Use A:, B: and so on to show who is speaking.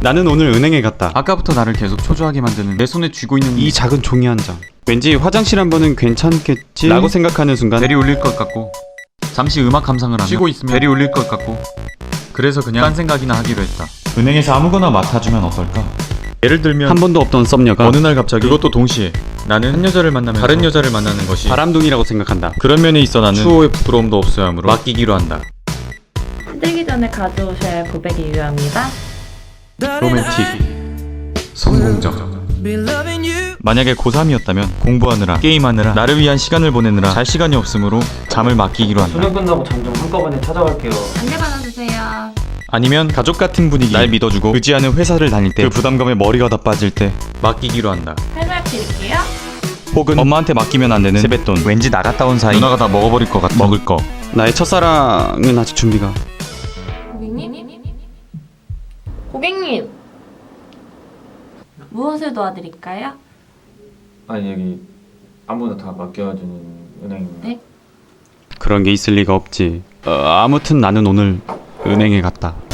A: 나는 오늘 은행에 갔다.
B: 아까부터 나를 계속 초조하게 만드는 내 손에 쥐고 있는
A: 이 작은 종이 한 장. 왠지 화장실 한 번은 괜찮겠지? 라고 생각하는 순간
B: 벨이 울릴 것 같고, 잠시 음악 감상을 하며 쉬고 있으면 벨이 울릴 것 같고, 그래서 그냥 딴 생각이나 하기로 했다.
C: 은행에서 아무거나 맡아주면 어떨까?
B: 예를 들면
A: 한 번도 없던 썸녀가
B: 어느 날 갑자기, 그것도 동시에 나는 한 여자를 만나면 다른 여자를 만나는 것이
A: 바람둥이라고 생각한다.
B: 그런 면에 있어 나는 추호의 부끄러움도 없어야 하므로 맡기기로 한다.
D: 힘들기 전에 가져오셔야 할 고백이 유효합니다.
B: 로맨틱, 성공적. 만약에 고3이었다면 공부하느라, 게임하느라, 나를 위한 시간을 보내느라 잘 시간이 없으므로 잠을 맡기기로 한다.
E: 수능 끝나고 잠 좀 한꺼번에 찾아갈게요.
D: 안내 받아주세요.
B: 아니면 가족 같은 분위기, 날 믿어주고 의지하는 회사를 다닐 때 그 부담감에 머리가 다 빠질 때 맡기기로 한다.
D: 설명 드릴게요.
B: 혹은 엄마한테 맡기면 안 되는 세뱃돈, 왠지 나갔다 온 사이 누나가 다 먹어버릴 것 같은 먹을 거.
A: 나의 첫사랑은 아직 준비가.
D: 고객님? 고객님! 무엇을 도와드릴까요?
E: 아니 여기 아무나 다 맡겨주는 은행입니다.
D: 네?
A: 그런 게 있을 리가 없지. 아무튼 나는 오늘 은행에 갔다.